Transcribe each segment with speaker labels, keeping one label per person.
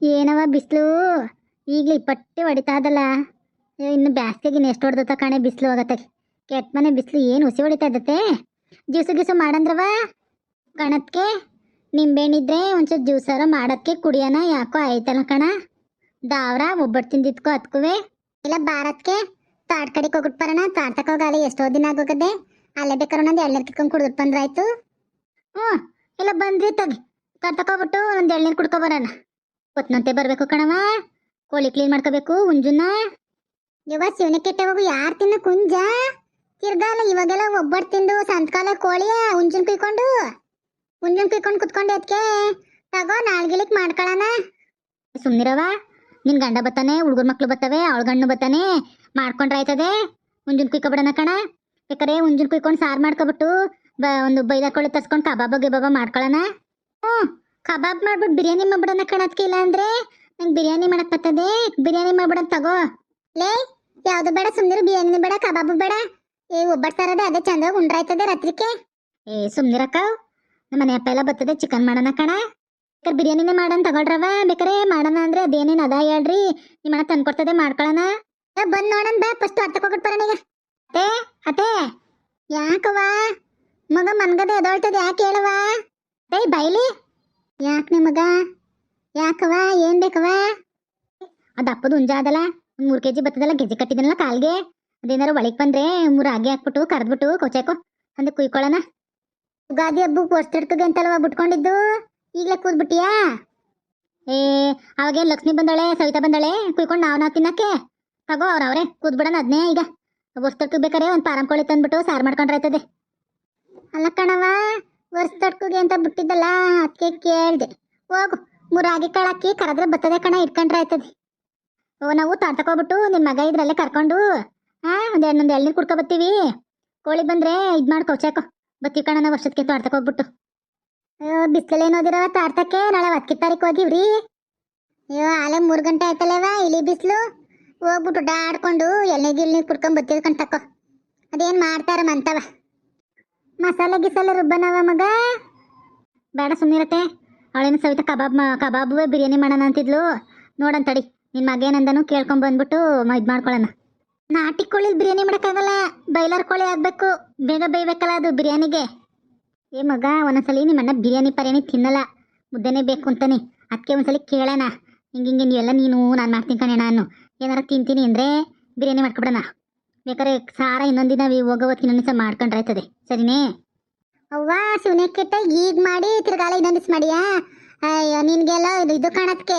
Speaker 1: ಏನವ ಬಿಸಿಲು ಈಗಲೇ ಇಪ್ಪಟ್ಟೆ ಹೊಡಿತಾ ಅದಲ್ಲ. ಇನ್ನು ಬ್ಯಾಸ್ಗೆಗೆ ಇನ್ನು ಎಷ್ಟು ಹೊಡೆದತ್ತ ಕಣೆ ಬಿಸಿಲು ಹೋಗತ್ತೆ. ಕೆಟ್ಟ ಮನೆ ಬಿಸಿಲು ಏನು ಹುಸಿ ಹೊಡಿತಾ ಇದ್ದತ್ತೆ. ಜ್ಯೂಸು ಗೀಸು ಮಾಡಂದ್ರವ ಕಣತ್ಗೆ ನಿಂಬೆಹಣ್ಣಿದ್ರೆ ಒಂಚೂರು ಜ್ಯೂಸಾರ ಮಾಡೋಕ್ಕೆ ಕುಡಿಯೋಣ. ಯಾಕೋ ಆಯ್ತಲ್ಲ ಕಣ ದಾವ್ರ ಒಬ್ಬಟ್ಟು ತಿಂದಿದ್ಕೋ ಹತ್ಕುವೆ ಇಲ್ಲ ಭಾರತ್ಗೆ ತಾಟ್ ಕಡೆಗೆ ಹೋಗ್ಬಿಟ್ಟು ಬರೋಣ. ತಾಟ್ ತಕೋಗಾಲಿ ಎಷ್ಟೋ ದಿನ ಆಗೋಗದೆ. ಅಲ್ಲೇ ಬೇಕಾದ್ರೆ ಒಂದೊಂದು ಎಳ್ನೀರು ಕಿತ್ಕೊಂಡು ಕುಡಿದು ಬಂದ್ರಾಯ್ತು. ಹ್ಞೂ ಇಲ್ಲ ಬಂದ್ರಿ ತಗಿ ತಾಟ್ ತಗೋಬಿಟ್ಟು ಒಂದು ಎಳ್ನೀರು ಕುಡ್ಕೊ ಬರೋಣ. ಹೊತ್ನಂತೆ ಬರಬೇಕು ಕಣವ. ಕೋಳಿ ಕ್ಲೀನ್ ಮಾಡ್ಕೋಬೇಕು ಹುಂಜುನ. ಇವಾಗ ಶಿವನ ಕೆಟ್ಟ ಹೋಗು ಯಾರು ತಿನ್ನ ಕುಂಜ ತಿರ್ಗಾಲ. ಇವಾಗೆಲ್ಲ ಒಬ್ಬಟ್ಟು ತಿಂದು ಸಂತಕಾಲ ಕೋಳಿಯ ಹುಂಜನ್ ಕುಯ್ಕೊಂಡು ಕುತ್ಕೊಂಡು ಅದಕ್ಕೆ ತಗೋ ನಾಳ್ಗಿಲಿಕ್ ಮಾಡ್ಕೊಳ್ಳೋಣ. ಸುಮ್ನಿರವ ನಿನ್ ಗಂಡ ಬತ್ತಾನೆ, ಹುಡುಗರ ಮಕ್ಳು ಬತ್ತವೆ, ಅವಳ ಗಂಡು ಬತ್ತಾನೆ, ಮಾಡ್ಕೊಂಡ್ರೆ ಆಯ್ತದೆ. ಹುಂಜನ್ ಕುಯ್ಕೊಬಿಡೋಣ ಕಣ. ಬೇಕಾರೆ ಹುಂಜನ್ ಕುಯ್ಕೊಂಡು ಸಾರು ಮಾಡ್ಕೊಬಿಟ್ಟು ಒಂದು ಬೈದಾಕೊಳ್ಳಿ ತರ್ಸ್ಕೊಂಡು ಕಬಾಬ ಗಿಬಾಬ ಮಾಡ್ಕೊಳ್ಳೋಣ. ಹ್ಞೂ ಕಬಾಬ್ ಮಾಡ್ಬಿಟ್ಟು ಬಿರಿಯಾನಿ ಮಾಡ್ಬಿಡೋಣ ಕಣದ್ಕೆ. ಇಲ್ಲ ಅಂದ್ರೆ ನಂಗೆ ಬಿರಿಯಾನಿ ಮಾಡಕ್ ಬರ್ತದೆ. ಬಿರಿಯಾನಿ ಮಾಡ್ಬಿಡೋಣ ತಗೋ. ಲೇ ಯಾವ್ದು ಬೇಡ ಸುಮ್ನಿರು. ಬಿರಿಯಾನಿ ಬೇಡ ಕಬಾಬು ಬೇಡ. ಒಬ್ಬಟ್ಟು ತರದೆ ಅದೇ ಚಂದಾಗ ಉಂಡ್ರಾಯ್ತದೆ ರಾತ್ರಿಕೆ. ಸುಮ್ನಿರಕ್ಕ ನಮ್ಮ ಮನೆ ಅಪ್ಪ ಎಲ್ಲ ಬರ್ತದೆ. ಚಿಕನ್ ಮಾಡೋಣ ಕಣ. ಬೇಕಾರೆ ಬಿರಿಯಾನಿನೇ ಮಾಡೋಣ ತಗೊಳ್ರವ. ಬೇಕಾರೆ ಮಾಡೋಣ ಅಂದ್ರೆ ಅದೇನೇನು ಅದ ಹೇಳ್ರಿ. ನಿಮ್ಮಣ್ಣ ತಂದ್ಕೊಡ್ತದೆ ಮಾಡ್ಕೊಳ್ಳೋಣ. ಬಂದ್ ನೋಡೋಣ ಬಾ. ಫಸ್ಟ್ ಅರ್ಥಕ್ಕೆ ಹೋಗ್ಬಿಟ್ಟು ಬರೋಣ ಈಗ. ಅತ್ತೆ ಅತ್ತೆ ಯಾಕವ ಮಗ ಮನ್ಗದೆ ಎದೊಳ್ತದೆ ಯಾಕೆ ಹೇಳವ? ಬೈಲಿ ಯಾಕೆ ನಿಮಗ ಯಾಕವ ಏನ್ ಬೇಕವ? ಅದು ಅಪ್ಪದು ಹುಂಜ ಅದಲ್ಲ, ಒಂದು 3 kg ಬರ್ತದಲ್ಲ, ಗೆಜ್ಜೆ ಕಟ್ಟಿದನಲ್ಲ ಕಾಲ್ಗೆ. ಅದೇನಾರು ಒಳಗೆ ಬಂದ್ರೆ 3 ರಾಗಿ ಹಾಕ್ಬಿಟ್ಟು ಕರೆದ್ಬಿಟ್ಟು ಕೊಚಾಕೋ ಅಂದೆ ಕುಯ್ಕೊಳ್ಳೋಣ. ಯುಗಾದಿ ಹಬ್ಬಕ್ಕೆ ವರ್ಷಕ್ಕೆ ಅಂತಲ್ವ ಬಿಟ್ಕೊಂಡಿದ್ದು. ಈಗಲೇ ಕೂದ್ಬಿಟ್ಟಿಯಾ? ಅವಾಗೇನು ಲಕ್ಷ್ಮಿ ಬಂದಳೆ ಸವಿತಾ ಬಂದಳೆ ಕುಯ್ಕೊಂಡು ನಾವು ತಿನ್ನಕ್ಕೆ ತಗೋ. ಅವ್ರವ್ರೆ ಕೂದ್ಬಿಡೋಣ ಅದನ್ನೇ. ಈಗ ವರ್ಷಕ್ಕೆ ಬೇಕಾರೆ ಒಂದು ಪಾರಂ ಕೋಳಿ ತಂದ್ಬಿಟ್ಟು ಸಾರು ಮಾಡ್ಕೊಂಡ್ರೆ ಆಯ್ತದೆ. ಅಲ್ಲ ಕಣವ ವರ್ಷಕ್ಕೆ ಅಂತ ಬಿಟ್ಟಿದ್ದಲ್ಲ ಅದಕ್ಕೆ ಕೇಳ್ದೆ. ಹೋಗು 3 ರಾಗಿ ಕಾಳು ಹಾಕಿ ಕರೆದ್ರೆ ಬರ್ತದೆ ಕಣ, ಇಟ್ಕೊಂಡ್ರೆ ಆಯ್ತದೆ. ನಾವು ತಾಡ್ತಕೋಗ್ಬಿಟ್ಟು ನಿನ್ನ ಮಗ ಇದ್ರಲ್ಲೇ ಕರ್ಕೊಂಡು ಒಂದು ಎಳ್ನೀರು ಕುಡ್ಕೊ ಬರ್ತೀವಿ. ಕೋಳಿ ಬಂದ್ರೆ ಇದು ಮಾಡಿ ಕೌಚಾಕೋ ಬರ್ತೀವಿ ಕಣ ನಾವು ವರ್ಷಕ್ಕೆ ತಾಡ್ತಕೋಗ್ಬಿಟ್ಟು. ಬಿಸಿಲಲ್ಲಿ ಏನೋದಿರವ ತಾಡ್ತಕ್ಕೆ. ನಾಳೆ 10 ತಾರೀಕು ಹೋಗಿವ್ರಿ. ಅಯ್ಯೋ ಆಲೆ 3 ಗಂಟೆ ಆಯ್ತಲ್ಲವ ಇಳಿ ಬಿಸಿಲು. ಹೋಗ್ಬಿಟ್ಟು ಡಾಡ್ಕೊಂಡು ಎಳ್ನೀರು ಕುಡ್ಕೊಂಡ್ ಬರ್ತೀವಿ ಕಣ್ ತಕೋ. ಅದೇನು ಮಾಡ್ತಾರ ಮಂತವ ಮಸಾಲೆ ಗಿಸಾಲೆ ರುಬ್ಬನವ ಮಗ. ಬೇಡ ಸುಮ್ಮನಿರತ್ತೆ. ಅವಳೇನು ಸವಿತಾ ಕಬಾಬುವೆ ಬಿರಿಯಾನಿ ಮಾಡೋಣ ಅಂತಿದ್ಲು. ನೋಡಂತಡಿ ನಿನ್ನ ಮಗ ಏನಂದನು ಕೇಳ್ಕೊಂಡ್ ಬಂದ್ಬಿಟ್ಟು ಇದು ಮಾಡ್ಕೊಳ್ಳೋಣ. ನಾಟಿ ಕೋಳಿ ಬಿರಿಯಾನಿ ಮಾಡೋಕ್ಕಾಗಲ್ಲ, ಬೈಲರ್ ಕೋಳಿ ಆಗಬೇಕು. ಬೇಗ ಬೇಯ್ಬೇಕಲ್ಲ ಅದು ಬಿರಿಯಾನಿಗೆ. ಮಗ ಒಂದೊಂದ್ಸಲಿ ನಿಮ್ಮಣ್ಣ ಬಿರಿಯಾನಿ ತಿನ್ನಲ್ಲ, ಮುದ್ದೆನೇ ಬೇಕು ಅಂತಾನೆ. ಅದಕ್ಕೆ ಒಂದ್ಸಲಿ ಕೇಳೋಣ. ಹಿಂಗೆ ನೀವೆಲ್ಲ ನೀನು ನಾನು ಮಾಡ್ತೀನಿ ಕಣೆ. ನಾನು ಏನಾರ ತಿಂತೀನಿ ಅಂದರೆ ಬಿರಿಯಾನಿ ಮಾಡ್ಕೊಬಿಡೋಣ. ಬೇಕಾದ್ರೆ ಸಾರ ಇನ್ನೊಂದಿನ ಹೋಗೋವತ್ತು ಇನ್ನೊಂದು ದಿವಸ ಮಾಡ್ಕೊಂಡ್ರೆ ಆಯ್ತದೆ. ಸರಿನೇ? ಅವ್ವ ಶಿವನೇ ಕೆಟ್ಟ ಈಗ ಮಾಡಿ ತಿರ್ಗಾಲ ಇನ್ನೊಂದು ದಿವಸ ಮಾಡಿಯಾ? ಅಯ್ಯೋ ನಿನಗೆಲ್ಲ ಇದು ಕಾಣತ್ಕೆ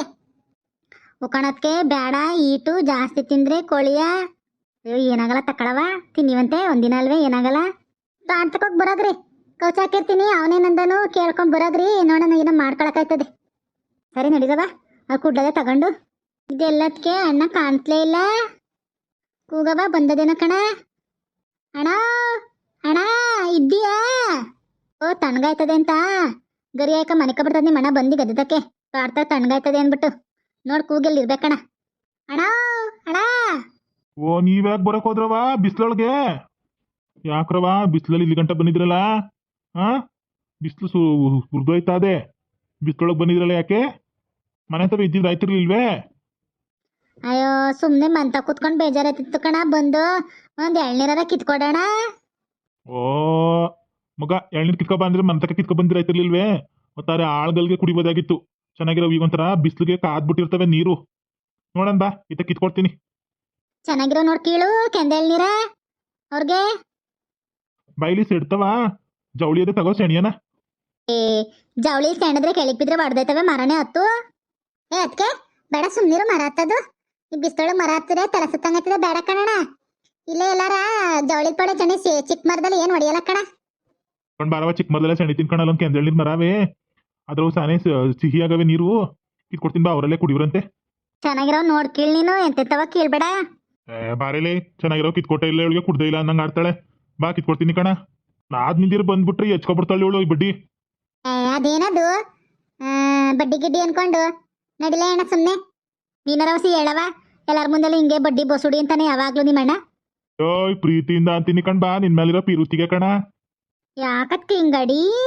Speaker 1: ಬೇಡ. ಈಟು ಜಾಸ್ತಿ ತಿಂದರೆ ಕೋಳಿಯ ಏನಾಗಲ್ಲ ತಕ್ಕಳವ. ತಿನ್ನಿವಂತೆ ಒಂದಿನ ಅಲ್ವೇ ಏನಾಗಲ್ಲ. ತಾಡ್ತಕೋಗಿ ಬರೋದ್ರಿ ಕೌಚ ಹಾಕಿರ್ತೀನಿ. ಅವನೇನಂದನು ಕೇಳ್ಕೊಂಡ್ ಬರೋದ್ರಿ. ನೋಡೋಣ ಏನೋ ಮಾಡ್ಕೊಳಕಾಯ್ತದೆ. ಸರಿ ನಡೀತವ. ಅದು ಕುಡ್ಲದೆ ತಗೊಂಡು. ಇದೆಲ್ಲದಕ್ಕೆ ಅಣ್ಣ ಕಾಣ್ತಲೇ ಇಲ್ಲ. ಕೂಗವ ಬಂದದೇನ ಕಣ. ಅಣ್ಣ ಅಣ್ಣ ಇದ್ದೀಯಾ? ಓ ತಣ್ಣಗಾಯ್ತದೆ ಅಂತ ಗರಿ ಆಯ್ಕ ಮನೆ ಕಬಿಡ್ತದೆ. ನಿಮ್ಮ ಅಣ್ಣ ಬಂದು ಗದ್ದಕ್ಕೆ ಕಾಡ್ತಾ ತಣ್ಣಗಾಯ್ತದೆ ಅಂದ್ಬಿಟ್ಟು ನೋಡ್ ಕೂಗೆಲ್ಲಿ ಇರ್ಬೇಕಣ್ಣ. ಅಣ್ಣ ಅಣ್ಣ
Speaker 2: ಓ ನೀವ್ಯಾಕೆ ಬರಕ್ ಹೋದ್ರವ ಬಿಸಿಲೊಳಗೆ? ಯಾಕ್ರವ ಬಿಸಿಲಲ್ಲಿ ಇಲ್ಲಿ ಗಂಟ ಬಂದಿದ್ರಲ್ಲ? ಬಿಸಿಲು ಹುರ್ದೋಯ್ತಾ ಅದೇ ಬಿಸಿಲೊಳಗೆ ಬಂದಿದ್ರಲ್ಲ ಯಾಕೆ? ಮನೆ ಹತ್ರ ಇದ್ದಿದ್ದು ಆಯ್ತಿರ್ಲಿಲ್ವೇ?
Speaker 1: ಅಯ್ಯೋ ಸುಮ್ಮನೆ ಮಂತ ಕೂತ್ಕೊಂಡು ಬೇಜಾರಾಯ್ತಿತ್ತು ಕಣ. ಬಂದು ಒಂದು ಎಳ್ನೀರಾರ ಕಿತ್ಕೊಡೋಣ.
Speaker 2: ಓ ಮಗ ಎಳ್ನೀರು ಕಿತ್ಕೊ ಬಂದ್ರೆ ಮನೆ ತಕ್ಕ ಕಿತ್ಕೊ ಬಂದಿರ ಆಯ್ತಿರ್ಲಿಲ್ವೇ? ಒತ್ತಾರೆ ಆಳ್ಗಲ್ಗೆ ಕುಡಿಬೋದಾಗಿತ್ತು. ಚೆನ್ನಾಗಿರೋ ಈಗ ಒಂಥರ ಬಿಸಿಲಿಗೆ ಕಾದ್ಬಿಟ್ಟಿರ್ತವೆ ನೀರು. ನೋಡನ್ ಬಾ ಇತ್ತ ಕಿತ್ಕೊಡ್ತೀನಿ.
Speaker 1: ಚೆನ್ನಾಗಿರೋ ನೋಡ್ ಕೀಳು ಕೆಂದ ಎಳ್ನೀರ ಅವ್ರಿಗೆ.
Speaker 2: ಬೈಲಿ ಸಿಡ್ತವ ಜವಳಿ ಅದೇ ತಗೋ ಸೆಣಿಯನ.
Speaker 1: ಜವಳಿ ಸೆಣದ್ರೆ ಕೆಳಗೆ ಬಿದ್ರೆ ಹೊಡೆದೈತವೆ ಮರನೇ ಹತ್ತು. ಅದಕ್ಕೆ ಬೇಡ ಸುಮ್ಮನಿರು. ಮರ ಹತ್ತದು ಈ ಬಿಸ್ತೊಳಗೆ ಮರ ಹತ್ತದೆ ತಲೆ ಸುತ್ತಂಗತ್ತದೆ. ಬೇಡ ಕಣಣ. ಇಲ್ಲೇ ಎಲ್ಲಾರ ಜವಳಿ ಪಡೆ ಚಣಿ ಚಿಕ್ಕ ಮರದಲ್ಲಿ ಏನು ಹೊಡಿಯಲ್ಲ ಕಣ.
Speaker 2: ಕಣ್ ಬಾರವ ಚಿಕ್ಕ ಮರದಲ್ಲ ಸೆಣಿ ತಿನ್ಕೊಂಡಲ್ಲ ಕೆಂದ ಎಳ್ನೀರ್ ಮರವೇ. ಅದ್ರ ಸಾನೆ ಸಿಹಿ ಆಗವೆ ನೀರು. ಕಿತ್ಕೊಡ್ತೀನಿ ಬಾ ಅವರಲ್ಲೇ ಕುಡಿವ್ರಂತೆ.
Speaker 1: ಚೆನ್ನಾಗಿರೋ ನೋಡ್ ಕೀಳ್ ನೀನು. ಎಂತೆಂತವ ಕೀಳ್ಬೇಡ.
Speaker 2: ಬಾರೇಲೆ ಚೆನ್ನಾಗಿರೋ ಕಿತ್ಕೊಟ್ಟೆ ಇಲ್ಲ ಇವಳಿಗೆ ಕುಡ್ದೇ ಇಲ್ಲ ಅನ್ನಂಗ ಆಡ್ತಾಳೆ. ಬಾ ಕಿತ್ಕೊಡ್ತೀನಿ ಕಣ. ನಾದ್ ನಿಂದಿರು ಬಂದ್ಬಿಟ್ರೆ ಹೆಚ್ಕೊಬಿಡ್ತಾಳೆ ಇವಳು ಈ ಬಡ್ಡಿ.
Speaker 1: ಅದೇನದು ಬಡ್ಡಿ ಗಿಡ್ಡಿ ಅನ್ಕೊಂಡು ನಡಿಲೇ ಅಣ್ಣ ಸುಮ್ಮನೆ. ನೀನರವಸಿ ಹೇಳವ ಎಲ್ಲಾರ ಮುಂದೆಲ್ಲ ಹಿಂಗೆ ಬಡ್ಡಿ ಬಸುಡಿ ಅಂತಾನೆ ಯಾವಾಗ್ಲೂ ನಿಮ್ಮಣ್ಣ.
Speaker 2: ಪ್ರೀತಿಯಿಂದ ಅಂತೀನಿ ಕಣ್ ಬಾ ನಿನ್ ಮೇಲಿರೋ ಪಿರುತಿಗೆ ಕಣ.
Speaker 1: ಯಾಕತ್ ಹಿಂಗಡಿ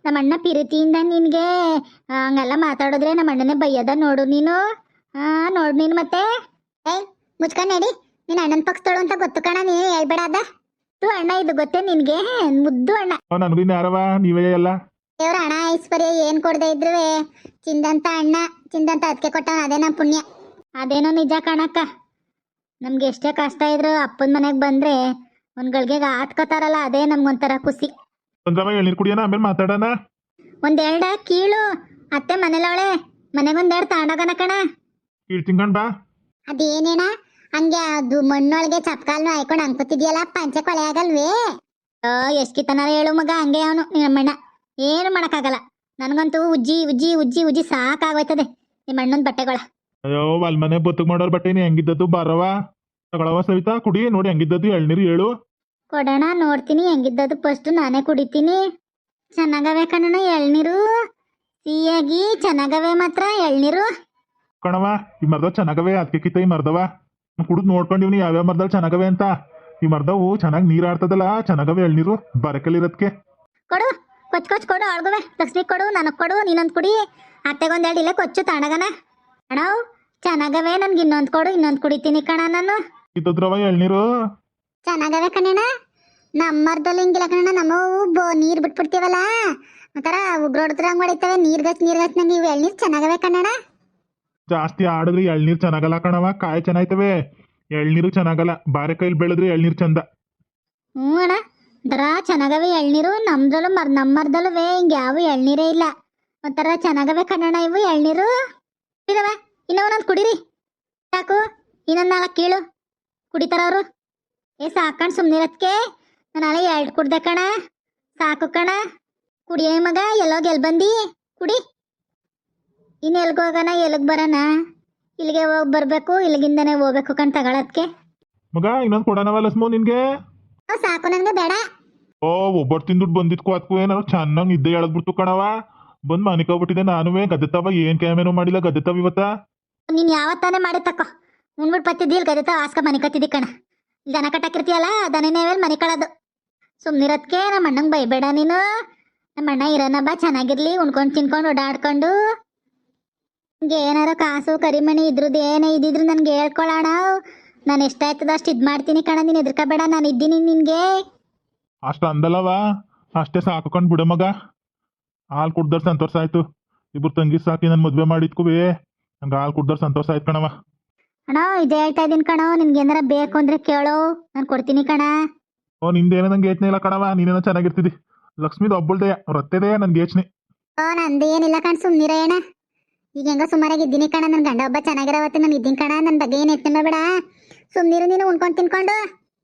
Speaker 1: ನಮ್ಮ ಅಣ್ಣ ಪ್ರೀತಿಯಿಂದ ನಿನಗೆ ಹಂಗೆಲ್ಲ ಮಾತಾಡಿದ್ರೆ ನಮ್ಮ ಅಣ್ಣನೇ ಬೈಯದ ನೋಡು ನೀನು. ನೋಡು ನೀನು ಮತ್ತೆ. ಏಯ್ ಮುಚ್ಕೊಂಡು ನಡಿ, ನಿನ್ನ ಅಣ್ಣನ ಪಕ್ಷದಳು ಅಂತ ಗೊತ್ತು ಕಣ, ನೀನು ಹೇಳ್ಬೇಡ ಅದ. ಅಣ್ಣ ಇದು ಗೊತ್ತೇ ನಿನಗೆ, ಮುದ್ದು ಅಣ್ಣ.
Speaker 2: ನನಗೂ ಇನ್ನು ಯಾರವ, ನೀವೇ ಎಲ್ಲ.
Speaker 1: ದೇವ್ರ ಹಣ ಐಶ್ವರ್ಯ ಏನು ಕೊಡದೆ ಇದ್ರು ಚಿಂದಂತ ಅಣ್ಣ, ಚಿಂದಂತ ಅದಕ್ಕೆ ಕೊಟ್ಟವನ, ಅದೇ ನಮ್ಮ ಪುಣ್ಯ. ಅದೇನೋ ನಿಜ ಕಣಕ್ಕ. ನಮ್ಗೆ ಎಷ್ಟೇ ಕಷ್ಟ ಇದ್ರು ಅಪ್ಪನ ಮನೆಗೆ ಬಂದ್ರೆ ಒಂದು ಗಳಿಗೆ ಆತ್ಕೋತಾರಲ್ಲ, ಅದೇ ನಮ್ಗೊಂಥರ ಖುಷಿ.
Speaker 2: ಚಂದ್ರಮ್ಮ ಎಳ್ನೀರು ಕುಡಿಯೋಣ, ಆಮೇಲೆ ಮಾತಾಡೋಣ.
Speaker 1: ಒಂದೆರಡ ಕೀಳು, ಅತ್ತೆ ಮನೇಲವಳೆ, ಮನೆಗೊಂದೆರಡು ತಾಂಡೋಗನ ಕಣ.
Speaker 2: ಕೀಳು ತಿನ್ಕೊಂಡ್ ಬಾ.
Speaker 1: ಅದೇನೇನ ಹಂಗೆ ಅದು ಮಣ್ಣೊಳಗೆ ಚಪ್ಕಾಲ್ನು ಹಾಯ್ಕೊಂಡು ಅನ್ಕೋತಿದ್ಯಲ್ಲ, ಪಂಚೆ ಕೊಳೆ ಆಗಲ್ವೇ? ಎಷ್ಟು ಕಿತ್ತನಾರ ಹೇಳು ಮಗ, ಹಂಗೆ ಅವನು ನಿಮ್ಮಣ್ಣ. ಏನು ಮಾಡೋಕ್ಕಾಗಲ್ಲ. ನನಗಂತೂ ಉಜ್ಜಿ ಉಜ್ಜಿ ಉಜ್ಜಿ ಉಜ್ಜಿ ಸಾಕಾಗೋಯ್ತದೆ ನಿಮ್ಮ ಅಣ್ಣನ ಬಟ್ಟೆಗಳ.
Speaker 2: ಅಯ್ಯೋ ಅಲ್ಲಿ ಮನೆ ಬತ್ತಗ್ ಮಾಡೋರ್ ಬಟ್ಟೆ ನೀ ಹೆಂಗಿದ್ದದ್ದು ಬಾರವ, ತಗೊಳವ ಸವಿತಾ, ಕುಡಿ ನೋಡಿ ಹೆಂಗಿದ್ದದ್ದು ಎಳ್ನೀರು ಹೇಳು.
Speaker 1: ಕೊಡೋಣ, ನೋಡ್ತೀನಿ ಹೆಂಗಿದ್ದದು. ಫಸ್ಟ್ ನಾನೇ ಕುಡಿತೀನಿ. ಚೆನ್ನಾಗವೆ ಕಣಣ್ಣ ಎಳ್ನೀರು, ಸಿಹಿಯಾಗಿ ಚೆನ್ನಾಗವೆ ಮಾತ್ರ ಎಳ್ನೀರು.
Speaker 2: ಕಣವ ಈ ಮರ್ದವ್ ಚೆನ್ನಾಗವೆ, ಅದಕ್ಕೆ ಕಿತ್ತ ಈ ಮರ್ದವ ಕುಡಿದು ನೋಡ್ಕೊಂಡಿವ್ನಿ ಯಾವ್ಯಾವ ಮರ್ದಲ್ಲಿ ಚೆನ್ನಾಗವೆ ಅಂತ. ಈ ಮರ್ದವು ಚೆನ್ನಾಗಿ ನೀರು ಆಡ್ತದಲ್ಲ, ಚೆನ್ನಾಗವೆ ಎಳ್ನೀರು ಬರಕಲ್ಲಿರೋದಕ್ಕೆ.
Speaker 1: ಕೊಡು, ಕೊಚ್ಚು ಕೊಚ್ಚು ಕೊಡು, ಅಳ್ಗುವೆ ಲಕ್ಷ್ಮಿ ಕೊಡು, ನನಗೆ ಕೊಡು, ನೀನೊಂದು ಕುಡಿ. ಅತ್ತೆಗೊಂದೆರಡು ಇಲ್ಲ ಕೊಚ್ಚು ತಾಣಗನ. ಅಣ್ಣ ಚೆನ್ನಾಗವೆ, ನನ್ಗೆ ಇನ್ನೊಂದು ಕೊಡು, ಇನ್ನೊಂದು ಕುಡಿತೀನಿ ಕಣ ನಾನು.
Speaker 2: ಇದ್ದದ್ರವ ಎಳ್ನೀರು
Speaker 1: ಚೆನ್ನಾಗವೆ ಕಣ್ಣ. ನಮ್ಮರ್ದಲ್ಲಿ ಹಿಂಗಿಲ್ಲ ಕಣ್ಣ, ನಮ್ಮವು ನೀರು ಬಿಟ್ಬಿಡ್ತೀವಲ್ಲ ಒಂಥರ ಉಗ್ರೋಡ್ದ್ರಂಗ್ ಹೊಡಿತವೆ, ನೀರ್ಗಚ್ ನಂಗೆ ಇವು ಎಳ್ನೀರು ಚೆನ್ನಾಗವೆ ಕಣ್ಣ.
Speaker 2: ಜಾಸ್ತಿ ಆಡಿದ್ರೆ ಎಳ್ನೀರು ಚೆನ್ನಾಗಲ್ಲ ಕಣವ, ಕಾಯಿ ಚೆನ್ನಾಯ್ತವೆ, ಎಳ್ನೀರು ಚೆನ್ನಾಗಲ್ಲ. ಬಾರೆ ಕೈಲಿ ಬೆಳೆದ್ರೆ ಎಳ್ನೀರು ಚಂದ.
Speaker 1: ಹ್ಞೂ ಅಣ್ಣ, ಒಂಥರ ಚೆನ್ನಾಗವೆ ಎಳ್ನೀರು. ನಮ್ದ್ರಲ್ಲೂ ನಮ್ಮರ್ದಲ್ಲೂ ಹಿಂಗೆ ಯಾವ ಎಳ್ನೀರೇ ಇಲ್ಲ, ಒಂಥರ ಚೆನ್ನಾಗವೆ ಕಣ್ಣಣ್ಣ ಇವು ಎಳ್ನೀರು. ಇಲ್ಲವ ಇನ್ನೂ ಒಂದೊಂದು ಕುಡೀರಿ ಸಾಕು, ಇನ್ನೊಂದು 4 ಕೀಳು ಕುಡಿತಾರವರು. ಸಾಕಣ್ ಸುಮ್ಮನಿರತ್ಕೆ, ನಾನು ನಾಳೆ 2 ಕುಡ್ದೆ ಕಣ, ಸಾಕು ಕಣ. ಕುಡಿಯೇ ಮಗ, ಎಲ್ಲೋಗಿ ಎಲ್ಲಿ ಬಂದು ಕುಡಿ. ಇನ್ನು ಎಲ್ಗೋಗೋಣ, ಎಲ್ಲಿಗೆ ಬರೋಣ? ಇಲ್ಲಿಗೆ ಹೋಗಿ ಬರಬೇಕು, ಇಲ್ಲಿಗಿಂದನೇ ಹೋಗ್ಬೇಕು ಕಣ್ ತಗೊಳತ್ಕೆ.
Speaker 2: ಮಗ ಇನ್ನೊಂದು ಕೊಡೋಣವ ಲಸ್ಮು ನಿನ್ಗೆ.
Speaker 1: ಸಾಕು ನನಗೆ ಬೇಡ.
Speaker 2: ಓ ಒಬ್ಬರು ತಿಂದುಟ್ಟು ಬಂದಿದ್ಕು ಅದಕ್ಕೂ ಏನಾರು ಚೆನ್ನಾಗಿ ನಿದ್ದೆ ಎಳದ್ಬಿಡ್ತು ಕಣವ. ಬಂದು ಮನಿಕೋಗ್ಬಿಟ್ಟಿದೆ ನಾನುವೇ. ಗದ್ದೆ ತವ ಏನು ಕ್ಯಾಮೇನೂ ಮಾಡಿಲ್ಲ, ಗದ್ದೆ ತವ ಇವತ್ತ.
Speaker 1: ನೀನು ಯಾವತ್ತಾನೆ ಮಾಡಿ ತಕ್ಕೋ, ಉಣ್ಬಿಟ್ಟು ಬತ್ತಿದ್ದಿಲ್ಲ ಗದ್ದೆ ತವ ಆಸ್ಕ ಮನೆ ಕತ್ತಿದ್ದಿ ಕಣ. ದನ ಕಟ್ಟಾಕಿರ್ತೀಯಲ್ಲ, ದನನೇವೇಲಿ ಮನೆ ಕಳೋದು. ಸುಮ್ಮನಿರೋದಕ್ಕೆ ನಮ್ಮ ಅಣ್ಣಂಗೆ ಬೈಬೇಡ ನೀನು. ನಮ್ಮ ಅಣ್ಣ ಇರೋಣ ಬಾ, ಚೆನ್ನಾಗಿರ್ಲಿ, ಉಣ್ಕೊಂಡು ತಿನ್ಕೊಂಡು ಓಡಾಡ್ಕೊಂಡು. ನಿಂಗೆ ಏನಾರು ಕಾಸು ಕರಿಮಣಿ ಇದ್ರದ್ದು ಏನೇ ಇದ್ದಿದ್ರು ನನಗೆ ಹೇಳ್ಕೊಳ್ಳೋಣ. ನಾನು ಎಷ್ಟಾಯ್ತದ ಅಷ್ಟು ಇದು ಮಾಡ್ತೀನಿ ಕಣ, ನೀನು ಎದ್ರಕಬೇಡ, ನಾನು ಇದ್ದೀನಿ ನಿನಗೆ.
Speaker 2: ಅಷ್ಟು ಅಂದಲ್ಲವ, ಅಷ್ಟೇ ಸಾಕೊಂಡು ಬಿಡ ಮಗ. ಹಾಲು ಕುಡ್ದರ್ ಸಂತೋಷ ಆಯ್ತು. ಇಬ್ರು ತಂಗಿ ಸಾಕಿ ನನ್ನ ಮದುವೆ ಮಾಡಿದ್ಕುವೇ ನಂಗೆ ಹಾಲು ಕುಡ್ದರ್ ಸಂತೋಷ ಆಯ್ತು ಕಣವ.
Speaker 1: ಅಣ್ಣ ಇದೇ ಹೇಳ್ತಾ ಇದ್ದೀನಿ ಕಣೋ, ನಿನ್ಗೆ ಏನಾರ ಬೇಕು ಅಂದ್ರೆ ಕೇಳೋ, ನಾನು ಕೊಡ್ತೀನಿ ಕಣ.
Speaker 2: ಓ ನಿಂದೇನೋ ನಂಗೆ ಯೋಚನೆ ಇಲ್ಲ ಕಣವ, ನೀನೇನೋ ಚೆನ್ನಾಗಿರ್ತಿದ್ದಿ. ಲಕ್ಷ್ಮೀದು ಒಬ್ಬಳ್ದೆ ರೊತ್ತೆದೇ ನನ್ಗೆ ಯೋಚನೆ.
Speaker 1: ನಂದು ಏನಿಲ್ಲ ಕಣ್, ಸುಮ್ಮನಿರ ಏನ. ಈಗ ಹೆಂಗ ಸುಮಾರಾಗಿ ಇದ್ದೀನಿ ಕಣ, ನನ್ನ ಗಂಡ ಒಬ್ಬ ಚೆನ್ನಾಗಿರೋವತ್ತೆ ನಾನು ಇದ್ದೀನಿ ಕಣ. ನನ್ನ ಬಗ್ಗೆ ಏನು ಯೋಚನೆ ಮಾಡಬೇಡ, ಸುಮ್ಮನಿರು ನೀನು ಉಣ್ಕೊಂಡು ತಿನ್ಕೊಂಡು.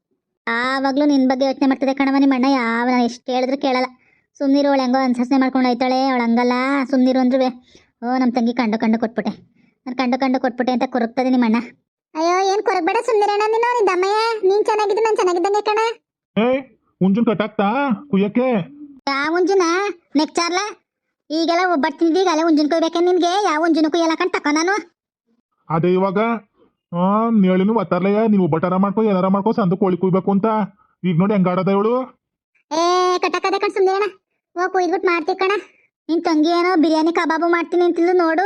Speaker 1: ಆವಾಗಲೂ ನಿನ್ನ ಬಗ್ಗೆ ಯೋಚನೆ ಮಾಡ್ತದೆ ಕಣವ ನಿಮ್ಮ ಅಣ್ಣ. ನಾನು ಎಷ್ಟು ಹೇಳಿದ್ರು ಕೇಳಲ್ಲ. ಸುಮ್ಮನಿರು, ಅವಳು ಹೆಂಗೋ ಅನ್ಸನೆ ಮಾಡ್ಕೊಂಡು ಹೋಯ್ತಾಳೆ, ಅವಳು ಹಂಗಲ್ಲ. ಸುಮ್ಮನಿರು ಅಂದ್ರೂ ನಮ್ಮ ತಂಗಿ ಕಂಡು ಕೊಟ್ಬಿಟ್ಟೆ, ನಾನು ಕಂಡು ಕೊಟ್ಬಿಟ್ಟೆ ಅಂತ ಕೊರಗ್ತದೆ ನಿಮ್ಮ ಅಣ್ಣ. ಅಯ್ಯೋ ಏನು ಕೊರಗಬೇಡ, ಸುಮ್ಮನಿರೋಣ ನೀನು. ನಿನ್ನ ದಮ್ಮಯ್ಯ ನೀನು ಚೆನ್ನಾಗಿದ್ದು ನಾನು ಚೆನ್ನಾಗಿದ್ದಂಗೆ ಕಣ.
Speaker 2: ಮುಂಜುನ್ ಕಟ್ಟಾಕ್ತಾ ಕುಯ್ಯಕ್ಕೆ?
Speaker 1: ಯಾವ ಉಂಜುನ ನೆಕ್ಚಾರ್ಲ? ಈಗೆಲ್ಲ ಒಬ್ಬಟ್ಟಿದ್ವಿ, ಈಗ ಅಲ್ಲೇ ಉಂಜುನ್ ಕೊಯ್ಬೇಕೆ ನಿನ್ಗೆ? ಯಾವ ಉಂಜುನ ಕುಯ್ಯಲ್ಲ ಕಣ್ ತಕೋ ನಾನು.
Speaker 2: ಅದೇ ಇವಾಗ ನೇಳಿನೂ ಒತ್ತಾರ್ಲಯ್ಯ, ನೀವು ಒಬ್ಬಟ್ಟಾರ ಮಾಡ್ಕೊ ಏನಾರ ಮಾಡ್ಕೊ, ಸಂದು ಕೋಳಿ ಕುಯ್ಬೇಕು ಅಂತ. ಈಗ ನೋಡಿ ಹೆಂಗಾಡದ ಇವಳು.
Speaker 1: ಕಟ್ಟಕದೆ ಕಣ್, ಸುಮ್ಮನೆ ಅಣ್ಣ. ಕುಯ್ದ್ಬಿಟ್ಟು ಮಾಡ್ತೀವಿ ಕಣ. ನಿನ್ ತಂಗಿ ಏನೋ ಬಿರಿಯಾನಿ ಕಬಾಬು ಮಾಡ್ತೀನಿ ಅಂತಿಲ್ಲು ನೋಡು.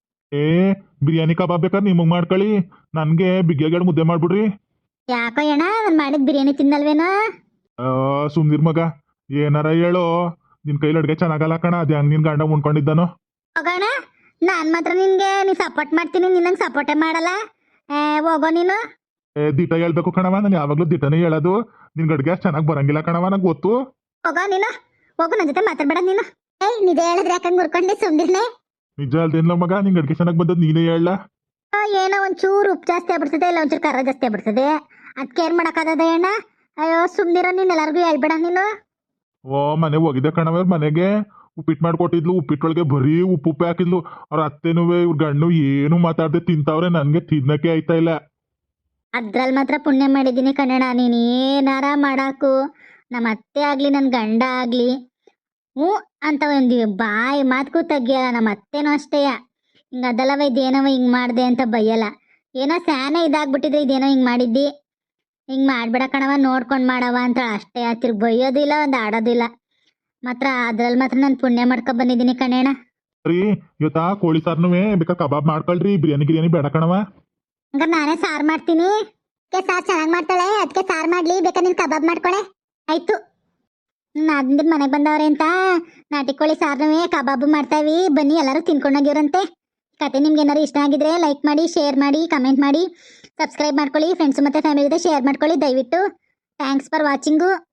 Speaker 2: ಬಿರಿಯಾನಿ ಕಬಾಬ್ ಬೇಕಾದ್ರೆ ನಿಮಗೆ ಮಾಡ್ಕೊಳ್ಳಿ, ನನಗೆ ಬಿಗ್ಗೆಗಳು ಮುದ್ದೆ ಮಾಡ್ಬಿಡ್ರಿ.
Speaker 1: ಯಾಕೋ ಅಣ್ಣ, ನಾನು ಮಾಡಿದ ಬಿರಿಯಾನಿ ತಿನ್ನಲ್ವೇನೋ?
Speaker 2: ಸುಮ್ನಿರ್ ಮಗ, ಏನಾರ ಹೇಳೋ. ನಿನ್ ಕೈಲಿ ಅಡ್ಗೆ ಚೆನ್ನಾಗಲ್ಲ ಕಣ, ಅದೇ ಹಂಗೆ ನಿನ್ ಗಂಡ ಉಣ್ಕೊಂಡಿದ್ದಾನೋ.
Speaker 1: ಹೋಗೋಣ, ನಾನು ಮಾತ್ರ ನಿನ್ಗೆ ಸಪೋರ್ಟ್ ಮಾಡ್ತೀನಿ, ನಿನ್ನಂಗೆ ಸಪೋರ್ಟೇ ಮಾಡಲ್ಲ. ಹೋಗೋ ನೀನು.
Speaker 2: ದಿಟ ಹೇಳ್ಬೇಕು ಕಣವ, ನಾನು ಯಾವಾಗ್ಲೂ ದಿಟನೇ ಹೇಳೋದು. ನಿನ್ ಅಡ್ಗೆ ಅಷ್ಟು ಚೆನ್ನಾಗಿ ಬರಂಗಿಲ್ಲ ಕಣವ, ನಂಗೆ ಗೊತ್ತು.
Speaker 1: ಹೋಗೋ ನೀನು, ಹೋಗು, ನನ್ನ ಜೊತೆ ಮಾತಾಡ್ಬೇಡ ನೀನು. ನಿಜ ಹೇಳಿದ್ರೆ ಯಾಕಂಗೆ ಮುರ್ಕೊಂಡೆ ಸುಮ್ದಿರ್ನೆ.
Speaker 2: ನಿಜ ಅಲ್ದೇನ್ಲ ಮಗ, ನಿಂಗೆ ಅಡ್ಗೆ ಚೆನ್ನಾಗಿ ಬಂದದ್ದು ನೀನೇ ಹೇಳ.
Speaker 1: ಏನೋ ಒಂಚೂರು ಉಪ್ಪು ಜಾಸ್ತಿ ಆಗ್ಬಿಡ್ತದೆ, ಇಲ್ಲ ಒಂಚೂರು ಖಾರ ಜಾಸ್ತಿ ಆಗ್ಬಿಡ್ತದೆ, ಅದಕ್ಕೆ ಏನು ಮಾಡೋಕ್ಕಾಗದ ಅಣ್ಣ. ಅಯ್ಯೋ ಸುಮ್ನಿರೋ ನೀನು, ಎಲ್ಲರಿಗೂ ಹೇಳ್ಬೇಡ ನೀನು.
Speaker 2: ಓ ಮನೆ ಹೋಗಿದ್ದೆ ಕಣವ, ಇವ್ರ ಮನೆಗೆ ಉಪ್ಪಿಟ್ಟು ಮಾಡ್ಕೊಟ್ಟಿದ್ಲು. ಉಪ್ಪಿಟ್ಟೊಳಗೆ ಬರೀ ಉಪ್ಪು ಹಾಕಿದ್ಲು. ಅವ್ರ ಅತ್ತೆನೂ ಇವ್ರ ಗಂಡು ಏನು ಮಾತಾಡದೆ ತಿಂತಾವ್ರೆ, ನನಗೆ ತಿನ್ನಕ್ಕೆ ಆಯ್ತಾ ಇಲ್ಲ.
Speaker 1: ಅದ್ರಲ್ಲಿ ಮಾತ್ರ ಪುಣ್ಯ ಮಾಡಿದ್ದೀನಿ ಕನ್ನಡ. ನೀನು ಏನಾರ ಮಾಡಾಕು, ನಮ್ಮ ಅತ್ತೆ ಆಗಲಿ ನನ್ನ ಗಂಡ ಆಗಲಿ ಹ್ಞೂ ಅಂತ ಒಂದು ಬಾಯಿ ಮಾತಕ್ಕೂ ತೆಗಿಯಲ್ಲ. ನಮ್ಮ ಅತ್ತೆನೂ ಅಷ್ಟೇ, ಹಿಂಗೆ ಅದಲ್ಲವ ಇದೇನವ ಹಿಂಗೆ ಮಾಡಿದೆ ಅಂತ ಬೈಯಲ್ಲ. ಏನೋ ಸ್ಯಾನೆ ಇದಾಗ್ಬಿಟ್ಟಿದ್ರೆ ಇದೇನೋ ಹಿಂಗೆ ಮಾಡಿದ್ದಿ, ಹಿಂಗೆ ಮಾಡ್ಬೇಡ ಕಣವ, ನೋಡ್ಕೊಂಡು ಮಾಡವ ಅಂತ ಅಷ್ಟೇ. ತಿರ್ಗಿ ಬೈಯೋದಿಲ್ಲ, ಒಂದು ಆಡೋದಿಲ್ಲ. ಮಾತ್ರ ಅದ್ರಲ್ಲಿ ಮಾತ್ರ ನಾನು ಪುಣ್ಯ ಮಾಡ್ಕೊ ಬಂದಿದ್ದೀನಿ ಕಣೇಣ.
Speaker 2: ರೀ ಇವತ್ತಾ ಕೋಳಿ ಸಾರ್ನುವೆ ಬೇಕಾ ಕಬಾಬ್ ಮಾಡ್ಕೊಳ್ರಿ, ಬಿರಿಯಾನಿ ಬೇಡ ಕಣವ.
Speaker 1: ಹಂಗಾರೆ ನಾನೇ ಸಾರು ಮಾಡ್ತೀನಿ. ಸಾರು ಚೆನ್ನಾಗಿ ಮಾಡ್ತಾಳೆ, ಅದಕ್ಕೆ ಸಾರು ಮಾಡ್ಲಿ, ಬೇಕಾ ನೀನು ಕಬಾಬ್ ಮಾಡ್ಕೊಳೆ. ಆಯ್ತು, ನಾದಿಂದ ಮನೆಗೆ ಬಂದವ್ರೆ ಅಂತ ನಾಟಿ ಕೋಳಿ ಸಾರ್ನುವೆ ಕಬಾಬು ಮಾಡ್ತಾವಿ, ಬನ್ನಿ ಎಲ್ಲರೂ ತಿನ್ಕೊಂಡೋಗಿವ್ರಂತೆ. ಕತೆ ನಿಮ್ಗೆ ಏನಾದ್ರು ಇಷ್ಟ ಆಗಿದ್ರೆ ಲೈಕ್ ಮಾಡಿ, ಶೇರ್ ಮಾಡಿ, ಕಮೆಂಟ್ ಮಾಡಿ, ಸಬ್ಸ್ಕ್ರೈಬ್ ಮಾಡ್ಕೊಳ್ಳಿ. ಫ್ರೆಂಡ್ಸ್ ಮತ್ತು ಫ್ಯಾಮಿಲಿ ಜೊತೆ ಶೇರ್ ಮಾಡ್ಕೊಳ್ಳಿ ದಯವಿಟ್ಟು. Thanks for watching.